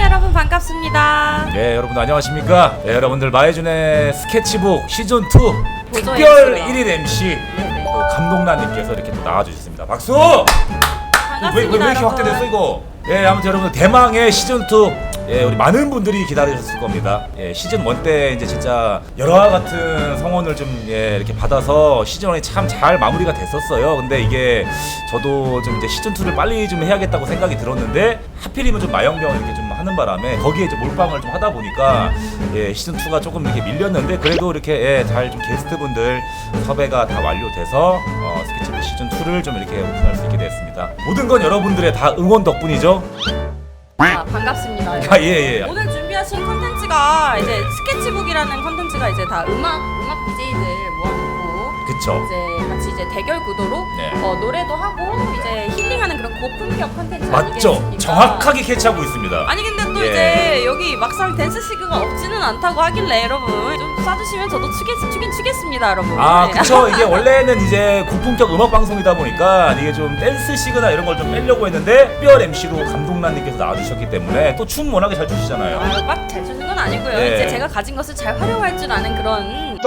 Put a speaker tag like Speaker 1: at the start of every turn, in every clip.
Speaker 1: 여러분 반갑습니다.
Speaker 2: 네, 여러분들 안녕하십니까? 네, 여러분들 마혜준의 스케치북 시즌2 특별
Speaker 1: MC로요.
Speaker 2: 1일 MC 또 감독란님께서 이렇게 또 나와주셨습니다. 박수!
Speaker 1: 반갑습니다.
Speaker 2: 왜 이렇게
Speaker 1: 여러분.
Speaker 2: 확대됐어 이거? 예, 아무튼 여러분들 대망의 시즌2 예, 우리 많은 분들이 기다리셨을 겁니다. 예, 시즌1 때 이제 진짜 여러와 같은 성원을 좀 예, 이렇게 받아서 시즌1이 참 잘 마무리가 됐었어요. 근데 이게 저도 좀 이제 시즌2를 빨리 좀 해야겠다고 생각이 들었는데 하필이면 좀 마영병을 이렇게 좀 하는 바람에 거기에 이제 몰빵을 좀 하다 보니까 예, 시즌2가 조금 이렇게 밀렸는데 그래도 이렇게 예, 잘 좀 게스트분들 섭외가 다 완료돼서 스케치북 시즌2를 좀 이렇게 오픈할 수 있게 됐습니다. 모든 건 여러분들의 다 응원 덕분이죠.
Speaker 1: 반갑습니다.
Speaker 2: 아, 예, 예.
Speaker 1: 오늘 준비하신 컨텐츠가 이제 스케치북이라는 컨텐츠가 이제 다 음악 BJ들 모아놓고
Speaker 2: 그쵸.
Speaker 1: 이제 같이 이제 대결 구도로
Speaker 2: 네.
Speaker 1: 노래도 하고 이제 힐링하는 그런 고품격 컨텐츠
Speaker 2: 맞죠?
Speaker 1: 아니겠습니까?
Speaker 2: 정확하게 캐치하고 있습니다.
Speaker 1: 아니 근데 또
Speaker 2: 예.
Speaker 1: 이제 여기 막상 댄스 시그가 없지는 않다고 하길래 여러분 좀 쏴주시면 저도 추긴 추겠습니다 여러분.
Speaker 2: 아,
Speaker 1: 네.
Speaker 2: 그쵸. 이게 원래는 이제 고품격 음악 방송이다 보니까 이게 좀 댄스 시그나 이런 걸 좀 빼려고 했는데 특별 MC로 감독란님께서 나와주셨기 때문에 또 춤 워낙에 잘 추시잖아요.
Speaker 1: 막 잘 추는 건 아니고요.
Speaker 2: 네.
Speaker 1: 이제 제가 가진 것을 잘 활용할 줄 아는 그런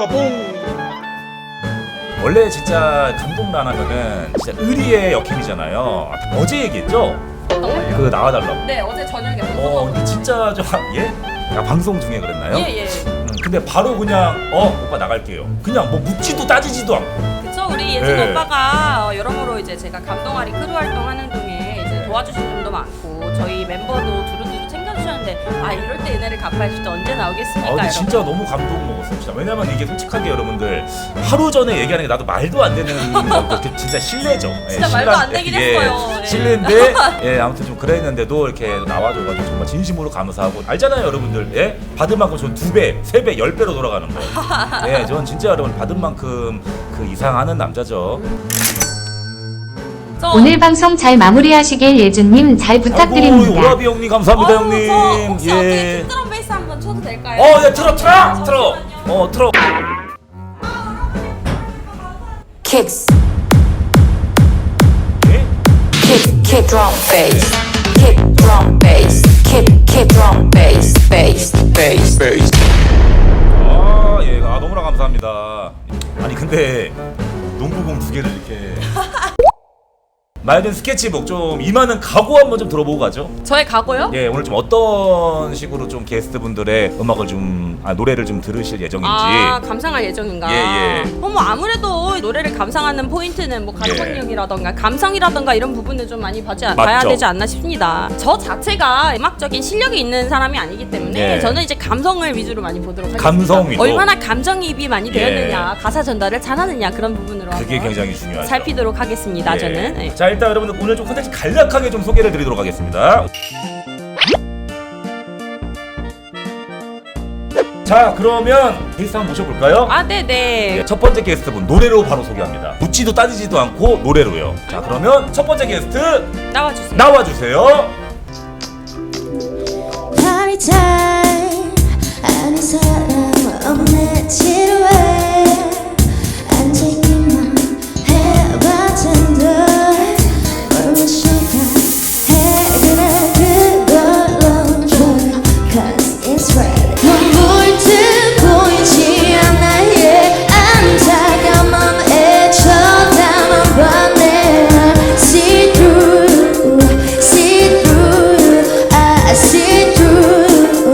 Speaker 2: 원래 진짜 감독란 하면은 진짜 의리의 역행이잖아요. 어제 얘기했죠? 그 나와달라고.
Speaker 1: 네 어제 저녁에
Speaker 2: 근데 진짜 좀 예? 야, 방송 중에 그랬나요?
Speaker 1: 예예.
Speaker 2: 근데 바로 그냥 오빠 나갈게요. 그냥 뭐 묻지도 따지지도 않고.
Speaker 1: 그쵸 우리 예준
Speaker 2: 네.
Speaker 1: 오빠가 여러모로 이제 제가 감동아리 크루 활동하는 동에 이제 도와주신 분도 많고 저희 멤버도 두루두루 챙겨주셨는데 아 이럴 때 은혜를 갚아줄 때 언제 나오겠습니까?
Speaker 2: 근데
Speaker 1: 여러분?
Speaker 2: 진짜 너무 감동 먹었어요. 진짜. 왜냐면 이게 솔직하게 여러분들 하루 전에 얘기하는 게 나도 말도 안 되는 거 진짜 실례죠.
Speaker 1: 진짜 말도 안 되긴 했어요. 예.
Speaker 2: 실례인데 예, 아무튼 좀 그랬는데도 이렇게 나와줘가지고 정말 진심으로 감사하고 알잖아요, 여러분들. 예, 받은 만큼 전 2배, 3배, 10배로 돌아가는 거. 예, 전 진짜 여러분 받은 만큼 그 이상 하는 남자죠.
Speaker 3: 오늘 방송 잘 마무리하시길 예준님 잘
Speaker 2: 아이고,
Speaker 3: 부탁드립니다.
Speaker 2: 오라비 형님 감사합니다, 형님.
Speaker 1: 저 혹시 어떻게 툭드럼 베이스 한번 쳐도 될까요?
Speaker 2: 예, 틀어. 틀어.
Speaker 4: Kicks,
Speaker 2: 예?
Speaker 4: kick drum bass, kick drum bass, kick drum bass, bass.
Speaker 2: 예, 너무나 감사합니다. 아니 근데 농구공 2개를 이렇게 마이든 스케치북 좀 임하는 각오 한번 좀 들어보고 가죠.
Speaker 1: 저의 각오요?
Speaker 2: 예, 오늘 좀 어떤 식으로 좀 게스트분들의 음악을 노래를 좀 들으실 예정인지.
Speaker 1: 감상할 예정인가?
Speaker 2: 예.
Speaker 1: 뭐 아무래도 노래를 감상하는 포인트는 뭐 가창력이라던가 감성이라던가 이런 부분을 좀 많이 봐야 되지 않나 싶습니다. 저 자체가 음악적인 실력이 있는 사람이 아니기 때문에
Speaker 2: 예.
Speaker 1: 저는 이제 감성을 위주로 많이 보도록 하겠습니다.
Speaker 2: 감성 위로.
Speaker 1: 얼마나 감정이입이 많이
Speaker 2: 예.
Speaker 1: 되었느냐, 가사 전달을 잘하느냐 그런 부분으로
Speaker 2: 그게
Speaker 1: 한번
Speaker 2: 굉장히 중요하죠.
Speaker 1: 살피도록 하겠습니다.
Speaker 2: 예.
Speaker 1: 저는. 예.
Speaker 2: 자, 일단 여러분들 오늘 좀 콘텐츠 간략하게 좀 소개를 드리도록 하겠습니다. 자, 그러면 게스트 한번 모셔볼까요?
Speaker 1: 네네.
Speaker 2: 예, 첫 번째 게스트분 노래로 바로 소개합니다. 묻지도 따지지도 않고 노래로요. 자, 그러면 첫 번째 게스트
Speaker 1: 나와주세요.
Speaker 2: 나와주세요.
Speaker 5: Party time 아는 사람 없네 지루해 앉아있기만 해봤자 얼마 시간 해 그래 그걸로 좋아 Cause it's right 눈물 듯 보이지 않아 yeah 앉아가 맘에 쳐다만 봤네 See through I see through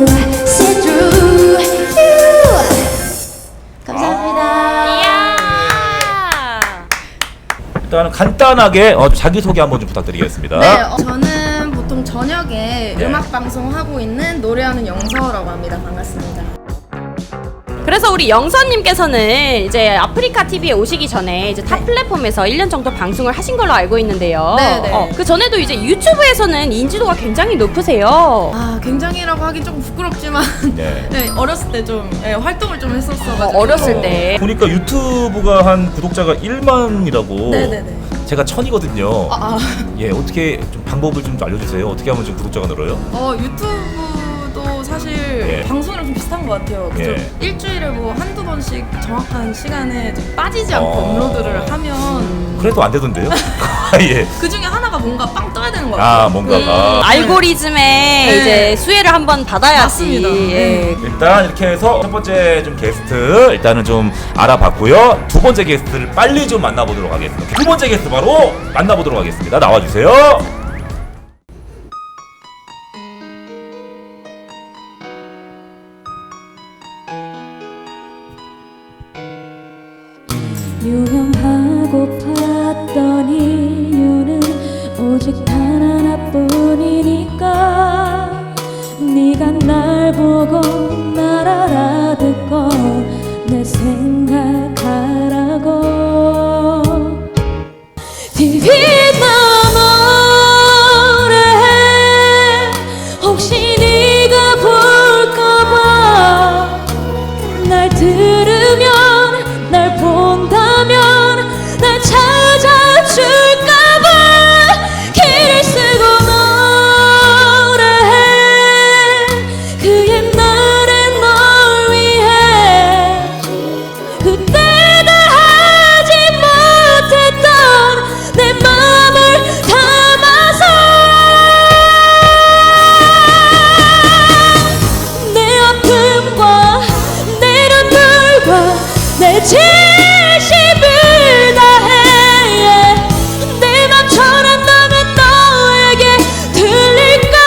Speaker 5: you 감사합니다.
Speaker 2: 일단 간단하게 자기소개 한번 좀 부탁드리겠습니다.
Speaker 6: 네, 저는 보통 저녁에
Speaker 2: 네.
Speaker 6: 음악 방송 하고 있는 노래하는 영서라고 합니다. 반갑습니다.
Speaker 1: 그래서 우리 영선님께서는 이제 아프리카 TV에 오시기 전에 이제 타 플랫폼에서 1년 정도 방송을 하신 걸로 알고 있는데요.
Speaker 6: 네네.
Speaker 1: 그 전에도 이제 유튜브에서는 인지도가 굉장히 높으세요.
Speaker 6: 굉장히라고 하긴 조금 부끄럽지만
Speaker 2: 네.
Speaker 6: 네, 어렸을 때 좀 활동을 좀 했었어가지고
Speaker 1: 어렸을 때.
Speaker 2: 보니까 유튜브가 한 구독자가 1만이라고.
Speaker 6: 네네네.
Speaker 2: 제가 1000이거든요.
Speaker 6: 아,
Speaker 2: 예, 어떻게 좀 방법을 좀 알려주세요. 어떻게 하면 좀 구독자가 늘어요?
Speaker 6: 유튜브도 것도 사실
Speaker 2: 예.
Speaker 6: 방송이랑 좀 비슷한 것 같아요. 그죠?
Speaker 2: 예.
Speaker 6: 일주일에 뭐 한두 번씩 정확한 시간에 좀 빠지지 않고 업로드를 하면
Speaker 2: 그래도 안 되던데요? 예.
Speaker 6: 그 중에 하나가 뭔가 빵 떠야 되는 것 같아요.
Speaker 2: 아 뭔가가
Speaker 1: 알고리즘에
Speaker 6: 네.
Speaker 1: 이제 수혜를 한번 받아야지.
Speaker 6: 맞습니다.
Speaker 1: 예.
Speaker 2: 일단 이렇게 해서 첫 번째 좀 게스트 일단은 좀 알아봤고요. 두 번째 게스트를 빨리 좀 만나보도록 하겠습니다. 두 번째 게스트 바로 만나보도록 하겠습니다. 나와주세요.
Speaker 5: 유명하고 팠던 이유는 오직 단 하나뿐이니까 네가 날 보고 날 알아듣고 내 생각하라고 TV 너머래 혹시 네가 볼까봐 날 들으면 날 본다면 날 찾아줄까봐 길을 쓰고 노래해 그 옛날의 널 위해 그때가 하지 못했던 내 맘을 담아서 내 아픔과 내 눈물과 내 진심을 다해 내 맘 전한다면 너에게 들릴까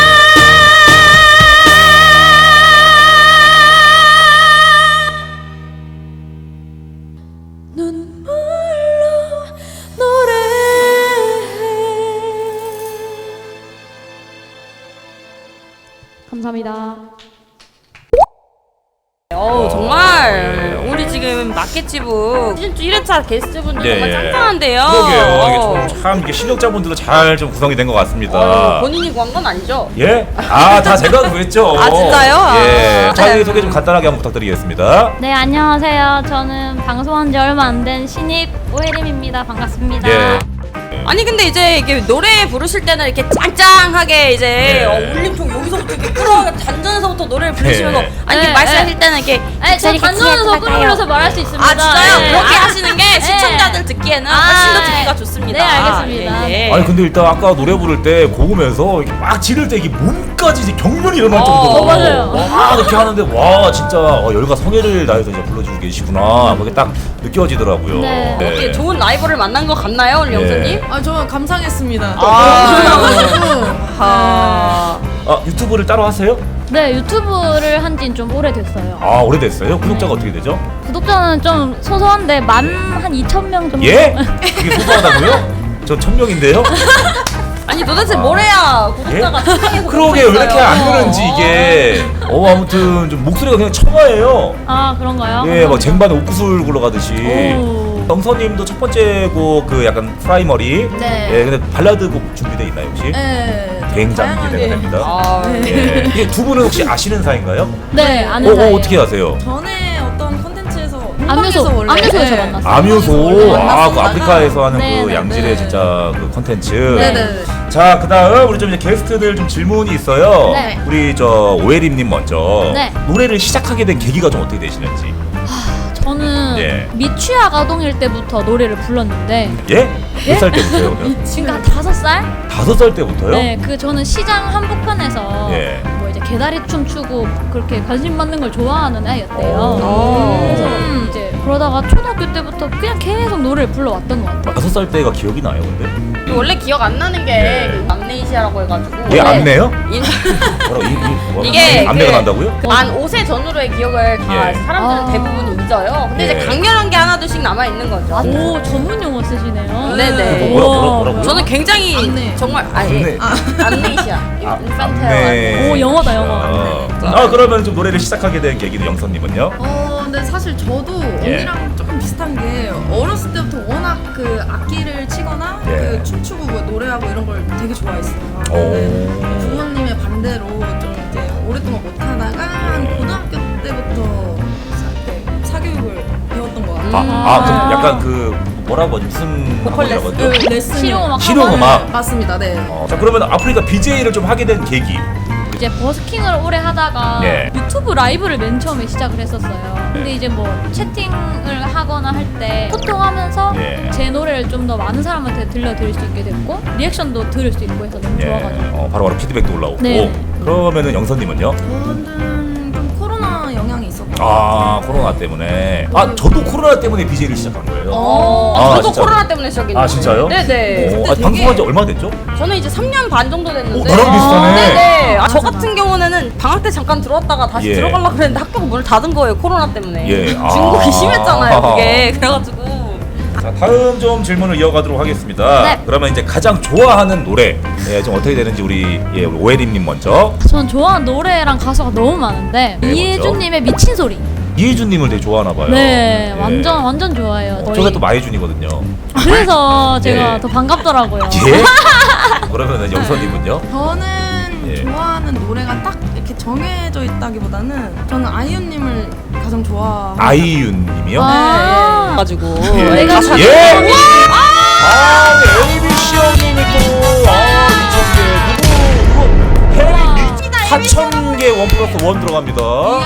Speaker 5: 눈물로 노래해. 감사합니다.
Speaker 1: 정말 우리 지금 마켓지부 시즌2 1회차 게스트분들
Speaker 2: 예,
Speaker 1: 정말
Speaker 2: 예.
Speaker 1: 짱짱한데요.
Speaker 2: 그러게요. 이게 참 이게 실력자분들도 잘 좀 구성이 된 것 같습니다.
Speaker 1: 본인이 구한 건 아니죠?
Speaker 2: 예? 아, 다 제가 구했죠.
Speaker 1: 아, 진짜요?
Speaker 2: 예.
Speaker 1: 아.
Speaker 2: 자기 소개 좀 간단하게 한번 부탁드리겠습니다.
Speaker 7: 네, 안녕하세요. 저는 방송한 지 얼마 안 된 신입 오혜림입니다. 반갑습니다.
Speaker 2: 예.
Speaker 1: 아니 근데 이제 이게 노래 부르실 때는 이렇게 짱짱하게 이제
Speaker 2: 네.
Speaker 1: 울림통 여기서부터 이렇게 끌어 단전에서부터 노래를 부르시면서
Speaker 2: 네.
Speaker 1: 아니
Speaker 7: 네,
Speaker 1: 말씀하실 때는 이렇게
Speaker 7: 네, 저 단전에서 끌어올려서 말할 수 있습니다.
Speaker 1: 아 진짜요?
Speaker 7: 네.
Speaker 1: 그렇게
Speaker 7: 아,
Speaker 1: 하시는 게 시청자들 듣기에는 훨씬 더 듣기가 좋습니다.
Speaker 7: 네, 알겠습니다.
Speaker 1: 예, 예.
Speaker 2: 아니 근데 일단 아까 노래 부를 때 고음에서 이렇게 막 지를 때 이게 몸까지 이제 경련이 일어날 정도로
Speaker 7: 맞아요.
Speaker 2: 와 이렇게 하는데 와 진짜 열과 성의를 다해서 이제 불러주고 계시구나 그게 딱 느껴지더라고요.
Speaker 7: 네.
Speaker 1: 어떻게 좋은 라이벌을 만난 것 같나요, 우리
Speaker 2: 예.
Speaker 1: 영선님?
Speaker 6: 아, 저 감상했습니다.
Speaker 1: 아,
Speaker 2: 아 유튜브를 따로 하세요?
Speaker 7: 네, 유튜브를 한 지는 좀 오래됐어요.
Speaker 2: 아 오래됐어요? 구독자가 어떻게 되죠?
Speaker 7: 구독자는 좀 소소한데 만 한 2,000명 정도.
Speaker 2: 예? 그게 소소하다고요? 저 1000명인데요?
Speaker 1: 아니 도대체 뭘 해야 구독자가 세상에
Speaker 2: 그러게 왜 이렇게 안 느는지 이게 아무튼 좀 목소리가 그냥 청아해요.
Speaker 7: 아, 그런가요?
Speaker 2: 예, 막 쟁반에 옥구슬 굴러가듯이.
Speaker 7: 오.
Speaker 2: 영서님도 첫 번째 곡 그 약간 프라이머리.
Speaker 6: 네.
Speaker 2: 예, 근데 발라드 곡 준비돼 있나요 혹시?
Speaker 6: 네.
Speaker 2: 굉장히
Speaker 6: 다양하게.
Speaker 2: 기대가 됩니다.
Speaker 1: 아,
Speaker 2: 예. 이게 두 분은 혹시 아시는 사이인가요?
Speaker 7: 네, 아는 사이예요.
Speaker 2: 어떻게 아세요?
Speaker 6: 전에 어떤 컨텐츠에서
Speaker 7: 암요소,
Speaker 6: 원래
Speaker 7: 암요소에서 만났어요.
Speaker 2: 아뮤소. 아, 그
Speaker 6: 만났었다가
Speaker 2: 아프리카에서 하는
Speaker 7: 네,
Speaker 2: 그
Speaker 7: 네,
Speaker 2: 양질의
Speaker 6: 네.
Speaker 2: 진짜 그 컨텐츠.
Speaker 6: 네네.
Speaker 2: 자, 그다음 우리 좀 이제 게스트들 좀 질문이 있어요.
Speaker 7: 네.
Speaker 2: 우리 저 오혜림님 먼저
Speaker 7: 네.
Speaker 2: 노래를 시작하게 된 계기가 좀 어떻게 되시는지.
Speaker 7: 저는
Speaker 2: 예.
Speaker 7: 미취학 아동일 때부터 노래를 불렀는데
Speaker 2: 예? 몇 살 때부터요? 그러면?
Speaker 7: 지금 한 5살?
Speaker 2: 5살 때부터요?
Speaker 7: 네, 그 저는 시장 한복판에서
Speaker 2: 예.
Speaker 7: 뭐 이제 개다리 춤 추고 그렇게 관심 받는 걸 좋아하는 애였대요.
Speaker 2: 오.
Speaker 7: 그래서 이제 그러다가 초등학교 때부터 그냥 계속 노래를 불러왔던 것 같아요.
Speaker 2: 5살 때가 기억이 나요, 근데?
Speaker 1: 원래 기억 안 나는 게
Speaker 2: 예.
Speaker 1: 그 암네이시아라고 해가지고
Speaker 2: 얘
Speaker 1: 원래
Speaker 2: 안내요?
Speaker 1: 인-
Speaker 2: 뭐라고?
Speaker 1: 이게
Speaker 2: 안내가
Speaker 1: 그-
Speaker 2: 난다고요?
Speaker 1: 만 5세 전후로의 기억을 다
Speaker 2: 예.
Speaker 1: 사람들은
Speaker 7: 아.
Speaker 1: 대부분 잊어요. 근데
Speaker 2: 예.
Speaker 1: 이제 강렬한 게 하나둘씩 남아 있는 거죠.
Speaker 7: 오, 전문 용어 쓰시네요.
Speaker 1: 네네.
Speaker 2: 뭐라고요?
Speaker 1: 저는 굉장히
Speaker 6: 안내.
Speaker 1: 정말
Speaker 2: 안내.
Speaker 1: 암네이시아,
Speaker 2: 안내.
Speaker 7: 오, 영어다, 영어.
Speaker 2: 아, 그러면 좀 노래를 시작하게 된 계기는 영선님은요?
Speaker 6: 근데 사실 저도
Speaker 2: 예.
Speaker 6: 언니랑 조금 비슷한 게 어렸을 때부터 워낙 그 악기를 치거나
Speaker 2: 예.
Speaker 6: 그 춤추고 뭐 노래하고 이런 걸 되게 좋아했어요.
Speaker 2: 오.
Speaker 6: 근데 부모님의 반대로 좀 이제 오랫동안 못하다가 한 고등학교 때부터 사교육을 배웠던 것 같아요.
Speaker 2: 그럼 약간 그 뭐라고 하지? 무슨
Speaker 1: 보컬
Speaker 2: 학원이라고
Speaker 6: 그
Speaker 2: 하죠?
Speaker 6: 레슨
Speaker 7: 실용음악
Speaker 2: 실용음악.
Speaker 6: 맞습니다. 네.
Speaker 2: 자, 그러면 아프리카 BJ를 좀 하게 된 계기
Speaker 7: 이제 버스킹을 오래 하다가
Speaker 2: 네.
Speaker 7: 유튜브 라이브를 맨 처음에 시작을 했었어요. 근데 이제 뭐 채팅을 하거나 할 때 소통하면서
Speaker 2: 네.
Speaker 7: 제 노래를 좀 더 많은 사람한테 들려드릴 수 있게 됐고 리액션도 들을 수 있고 해서 너무
Speaker 2: 예.
Speaker 7: 좋아가지고.
Speaker 2: 바로바로 피드백도 올라오고.
Speaker 7: 네.
Speaker 2: 그러면은 영선님은요?
Speaker 6: 저는 좀 코로나 영향이 있었고.
Speaker 2: 코로나 때문에. 저도 코로나 때문에 BJ를 시작한 거예요.
Speaker 1: 저도
Speaker 2: 진짜로?
Speaker 1: 코로나 때문에 시작했는데.
Speaker 2: 진짜요?
Speaker 1: 네네.
Speaker 2: 방송한 지 얼마 됐죠?
Speaker 1: 저는 이제 3년 반 정도 됐는데.
Speaker 2: 나랑 비슷하네.
Speaker 1: 네네. 저 같은 경우는 방학 때 잠깐 들어왔다가 다시
Speaker 2: 예.
Speaker 1: 들어가려고 그랬는데 학교가 문을 닫은 거예요, 코로나 때문에.
Speaker 2: 예.
Speaker 1: 중국이 심했잖아요, 그게. 그래가지고.
Speaker 2: 자, 다음 좀 질문을 이어가도록 하겠습니다.
Speaker 7: 네.
Speaker 2: 그러면 이제 가장 좋아하는 노래 좀 어떻게 되는지 우리 오해림님 먼저.
Speaker 7: 전 좋아하는 노래랑 가수가 너무 많은데
Speaker 2: 네,
Speaker 7: 이혜준님의 미친 소리.
Speaker 2: 이혜준님을 되게 좋아하나 봐요.
Speaker 7: 네,
Speaker 2: 예.
Speaker 7: 완전 좋아해요.
Speaker 2: 저게 또 마혜준이거든요.
Speaker 7: 그래서 제가
Speaker 2: 예.
Speaker 7: 더 반갑더라고요.
Speaker 2: 예? 그러면은 영선님은요?
Speaker 6: 저는
Speaker 2: 예.
Speaker 6: 좋아하는 노래가 딱 이렇게 정해져 있다기보다는 저는 아이유님을 가장 좋아하고.
Speaker 2: 아이윤님이요?
Speaker 7: 아,
Speaker 1: 가지고.
Speaker 2: 예.
Speaker 7: 내가
Speaker 2: 예?
Speaker 7: 참-
Speaker 2: ABC 형님이 또 미쳤게 누구 4,000개 원 플러스 원 들어갑니다.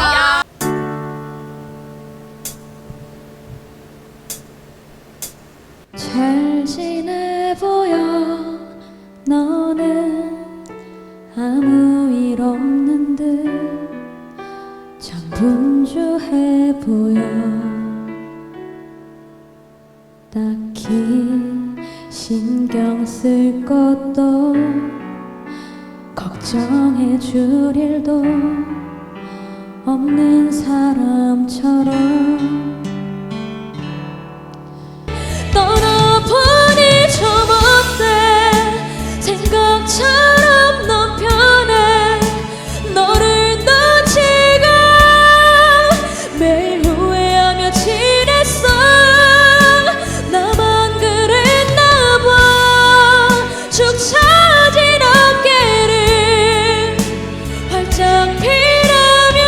Speaker 5: 잘 지내 보여 너는 아무 일 없는 듯 참 분주해 보여 딱히 신경 쓸 것도 걱정해 줄 일도 없는 사람처럼 떠나보니 좀 어때 생각처럼 넌 편해 너를 놓치고 매일 후회하며 지냈어 나만 그랬나 봐 축 처진 어깨를 활짝 피라며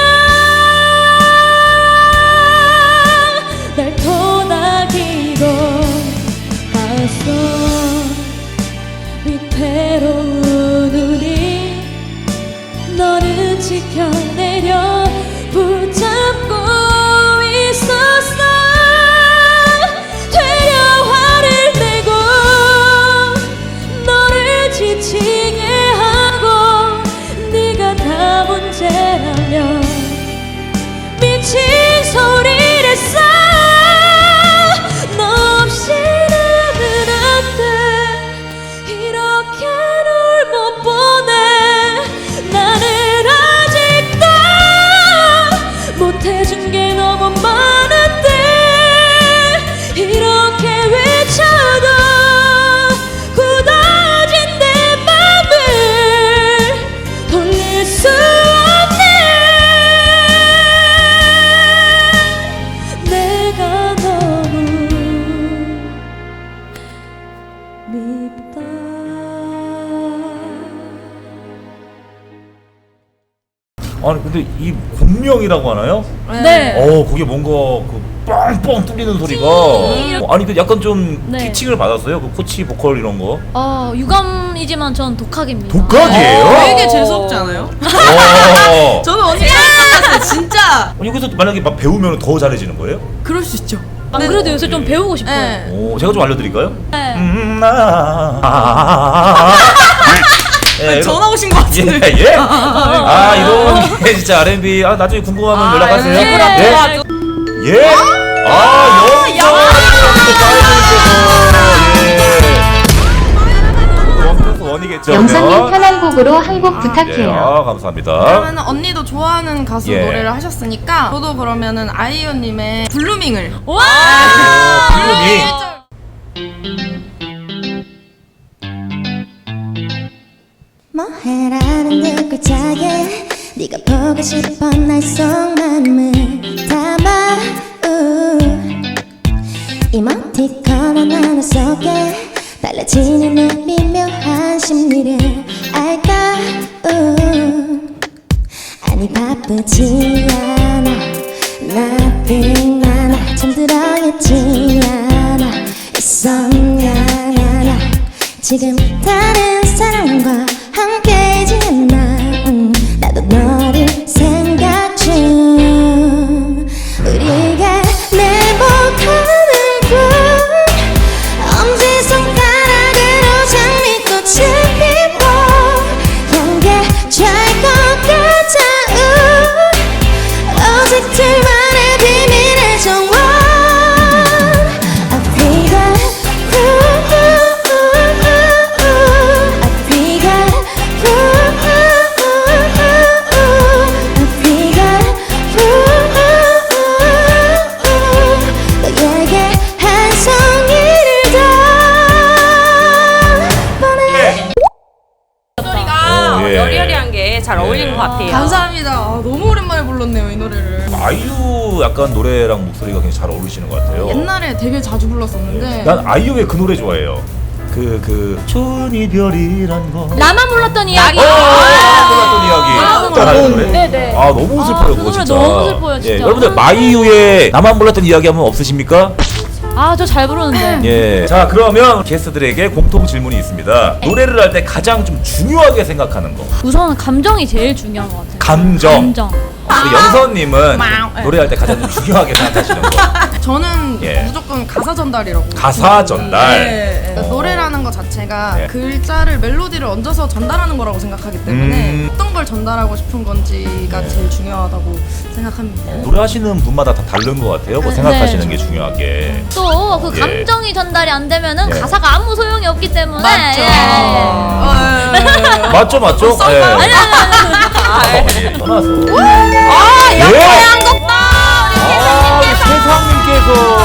Speaker 5: 날 토닥이고 하소 위태로운 우리 너를 지켜내려 붙잡고 있었어 되려 화를 내고 너를 지치게 하고 네가 다 문제라면 미친 소리를 써 너 없이는 안 돼 이렇게 널 못 보내 나는 아직도 못해준 게 너무 많은데 이렇게 외쳐도 굳어진 내 맘을 돌릴 수 없네 내가 너무 밉다
Speaker 2: 아니 근데 이 공명이라고 하나요?
Speaker 7: 네.
Speaker 2: 그게 뭔가 그 뻥뻥 뚫리는 소리가. 아니 그 약간 좀
Speaker 7: 네.
Speaker 2: 티칭을 받았어요? 그 코치 보컬 이런 거.
Speaker 7: 유감이지만 전 독학입니다.
Speaker 2: 독학이에요?
Speaker 6: 되게 재수없지 않아요? 저는 언니 생각났어요 진짜.
Speaker 2: 여기서 만약에 막 배우면 더 잘해지는 거예요?
Speaker 6: 그럴 수 있죠.
Speaker 7: 안 그래도 요새 좀 배우고 싶어요.
Speaker 6: 네.
Speaker 2: 제가 좀 알려드릴까요?
Speaker 7: 네.
Speaker 2: 예,
Speaker 6: 전화 오신 것 같은데.
Speaker 2: 예? 이런 게 진짜 R&B. 나중에 궁금하면 연락하세요.
Speaker 7: 네.
Speaker 2: 예? 원이겠죠.
Speaker 3: 영선님 편한 곡으로 한 곡
Speaker 2: 예,
Speaker 3: 부탁해요.
Speaker 2: 감사합니다.
Speaker 6: 그러면 언니도 좋아하는 가수
Speaker 2: 예.
Speaker 6: 노래를 하셨으니까 저도 그러면은 아이유님의 블루밍을.
Speaker 7: 와!
Speaker 8: 뭐해라는 네 글자에 네가 보고 싶어 날 속마음을 담아 이모티콘 하나 속에 달라지는 내 미묘한 심리를 알까 아니 바쁘지 않아 nothing 나나 잠들어 있지 않아 있었냐 지금 다른 사람과 함께이지 않나
Speaker 1: 여리여리한 게 잘 어울리는 것 같아요.
Speaker 6: 감사합니다. 아, 너무 오랜만에 불렀네요 이 노래를.
Speaker 2: 아이유 약간 노래랑 목소리가 굉장히 잘 어울리시는 것 같아요.
Speaker 6: 옛날에 되게 자주 불렀었는데.
Speaker 2: 난 아이유의 그 노래 좋아해요. 좋은 이별이란 거.
Speaker 7: 나만 몰랐던 이야기.
Speaker 2: 몰랐던 이야기. 잘 아는 노래?
Speaker 7: 네네.
Speaker 2: 아 너무 슬퍼요
Speaker 7: 그
Speaker 2: 그거
Speaker 7: 노래
Speaker 2: 진짜.
Speaker 7: 너무 슬퍼요, 진짜.
Speaker 2: 예, 여러분들 마이유의 나만 몰랐던 이야기 하면 없으십니까?
Speaker 7: 아, 저 잘 부르는데.
Speaker 2: 예. 자 그러면 게스트들에게 공통 질문이 있습니다. 노래를 할 때 가장 좀 중요하게 생각하는 거.
Speaker 7: 우선 감정이 제일 중요한 것 같아요.
Speaker 2: 감정. 우리 연서님은
Speaker 6: 네.
Speaker 2: 노래할 때 가장 좀 중요하게 생각하시는 거.
Speaker 6: 저는
Speaker 2: 예.
Speaker 6: 무조건 가사 전달이라고.
Speaker 2: 가사 전달.
Speaker 6: 네. 노래라는 것 자체가
Speaker 2: 네.
Speaker 6: 글자를 멜로디를 얹어서 전달하는 거라고 생각하기 때문에 어떤 걸 전달하고 싶은 건지가 제일 중요하다고 생각합니다.
Speaker 2: 노래하시는 분마다 다 다른 것 같아요. 뭐 생각하시는 게 중요하게.
Speaker 7: 또 그
Speaker 2: 예.
Speaker 7: 감정이 전달이 안 되면은
Speaker 2: 예.
Speaker 7: 가사가 아무 소용이 없기 때문에.
Speaker 6: 맞죠.
Speaker 7: 예.
Speaker 2: 맞죠, 맞죠? 예.
Speaker 7: 아니.
Speaker 2: 예, 떠나서.
Speaker 1: 아,
Speaker 2: 예.
Speaker 1: 양곡다.
Speaker 2: 아, 세상님께서.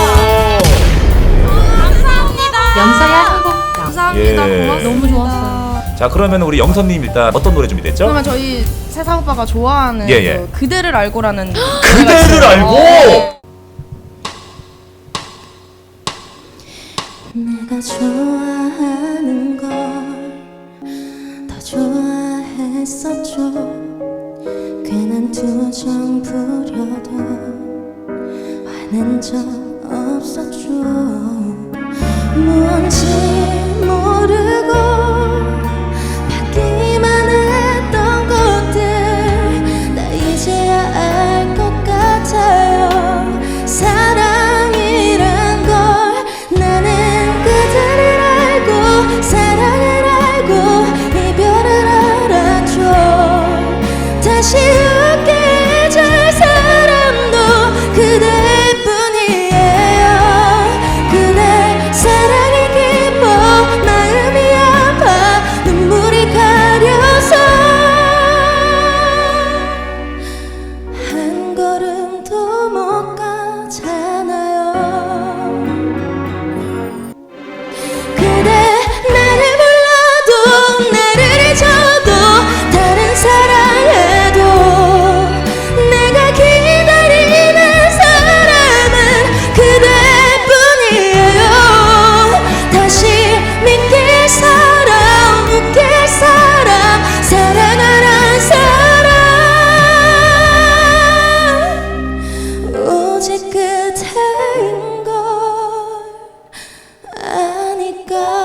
Speaker 3: 영서야 한곡
Speaker 6: 감사합니다.
Speaker 2: 예.
Speaker 6: 고맙습니다.
Speaker 7: 너무 좋았어요.
Speaker 2: 자, 그러면 우리 영선님 일단 어떤 노래 준비됐죠?
Speaker 6: 그러면 저희 세상 오빠가 좋아하는
Speaker 2: 예, 예.
Speaker 6: 그 그대를 알고라는
Speaker 2: 그대를 알고.
Speaker 8: 내가 좋아하는 걸 더 좋아했었죠. 괜한 투정 부려도 화낸 적 없었죠. 뭔지 모르고 받기만 했던 것들 나 이제야 알 것 같아요. 사랑이란 걸 나는 그대를 알고 사랑을 알고 이별을 알았죠. 다시 웃게 해줄 사람도 그대뿐이에요. 그대 사랑이 깊어 마음이 아파 눈물이 가려서 한 걸음도 못 가잖아요. 그대 나를 불러도 나를 잊어도 다른 사랑해도 내가 기다리는 사람은 그대뿐이에요. 다시 믿길 사람 웃길 사람 사랑하란 사람 오직 그대인 걸 아니까.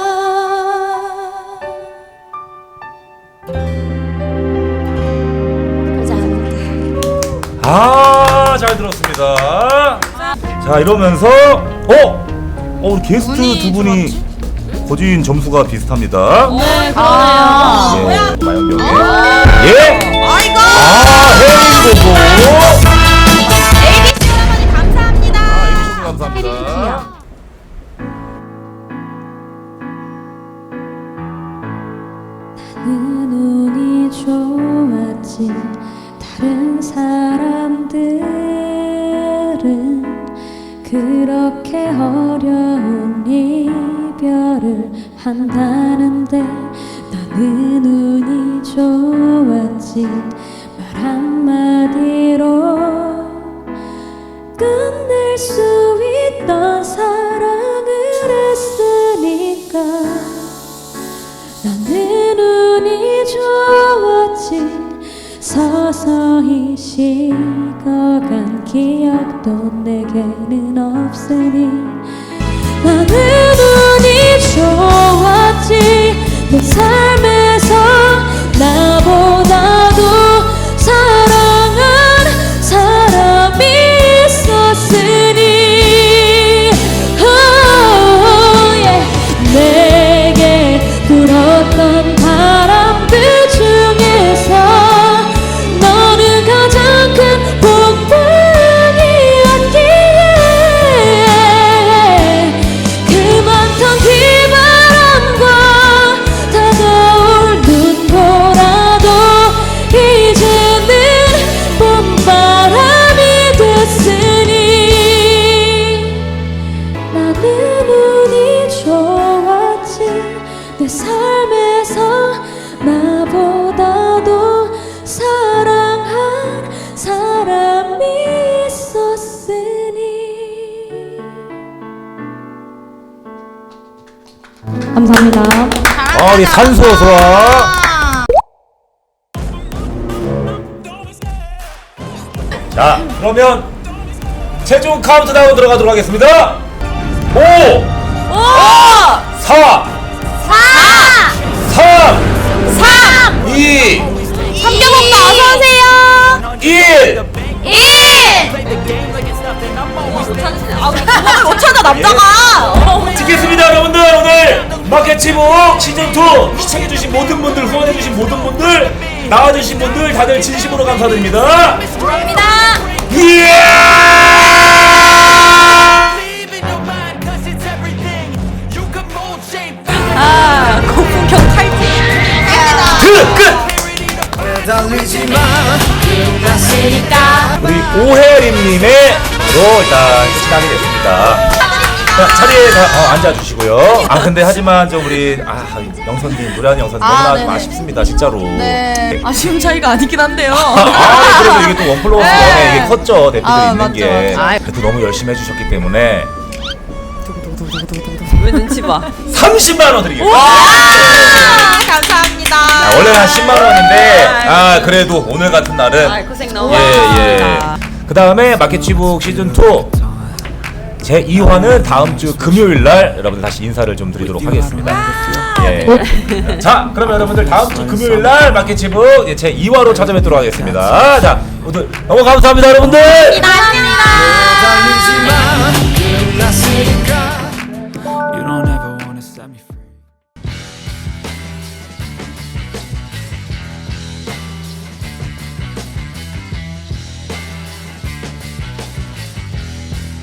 Speaker 2: 아, 잘 들었습니다. 자, 이러면서 우리 게스트 두 분이 거진 점수가 비슷합니다.
Speaker 7: 네, 그러네요.
Speaker 2: 예, 마연경의 예.
Speaker 1: 아이고.
Speaker 2: 헤이고고.
Speaker 1: ABC 할아버지 감사합니다.
Speaker 2: 감사합니다.
Speaker 5: 눈이 좋았지 다른 사람들은 그렇게 어려운 이별을 한다는데 나는 운이 좋았지 말 한마디로 끝낼 수 있던 사랑을 했으니까 나는 운이 좋았지 서서히 식어간 기억도 내게는 없으니 나는 운이 좋았지 내 삶에서 나보다도 사랑한 사람이 있었으니 내게 불었던 바람들 중에서 너는 가장 큰 복덩이였기에 그 많던 비바람과 다가올
Speaker 2: 우리 산소 소화. 자, 그러면 최종 카운트다운 들어가도록 하겠습니다. 5 4 3 2
Speaker 1: 삼겹오빠 어서오세요
Speaker 2: 1
Speaker 1: 못 찾아 남자가
Speaker 2: 찍겠습니다. 여러분들 오늘 마켓치복 시즌2 시청해주신 모든 분들, 후원해주신 모든 분들, 나와주신 분들 다들 진심으로 감사드립니다.
Speaker 1: 감사합니다 아 고품격 칼질
Speaker 2: 끝! 우리 오혜림님의로 일단 시작이 됐습니다. 자, 자리에 앉아주시고요. 아 근데 하지만 좀 우리 영선님, 노래하는 영선님 너무나 좀 아쉽습니다 진짜로.
Speaker 6: 네. 아쉬운 차이가 아니긴 한데요.
Speaker 2: 그래도 이게 또 원 플러스 원에 이게 컸죠 대표들이 있는
Speaker 6: 맞죠,
Speaker 2: 게.
Speaker 6: 맞죠.
Speaker 2: 그래도 너무 열심히 해주셨기 때문에
Speaker 1: 왜 눈치 봐
Speaker 2: 30만 원 드리겠습니다.
Speaker 1: 감사합니다
Speaker 2: 원래는 한 10만 원인데 그래도 오늘 같은 날은
Speaker 1: 고생 너무
Speaker 2: 예.
Speaker 1: 많으셨습니다
Speaker 2: 그 다음에 마켓치북 시즌2 제 2화는 다음 주 금요일 날 여러분들 다시 인사를 좀 드리도록 하겠습니다. 예. 자, 그러면 여러분들 다음 주 금요일 날 마켓치북 제 2화로 찾아뵙도록 하겠습니다. 자, 모두 너무 감사합니다, 여러분들.
Speaker 1: 감사합니다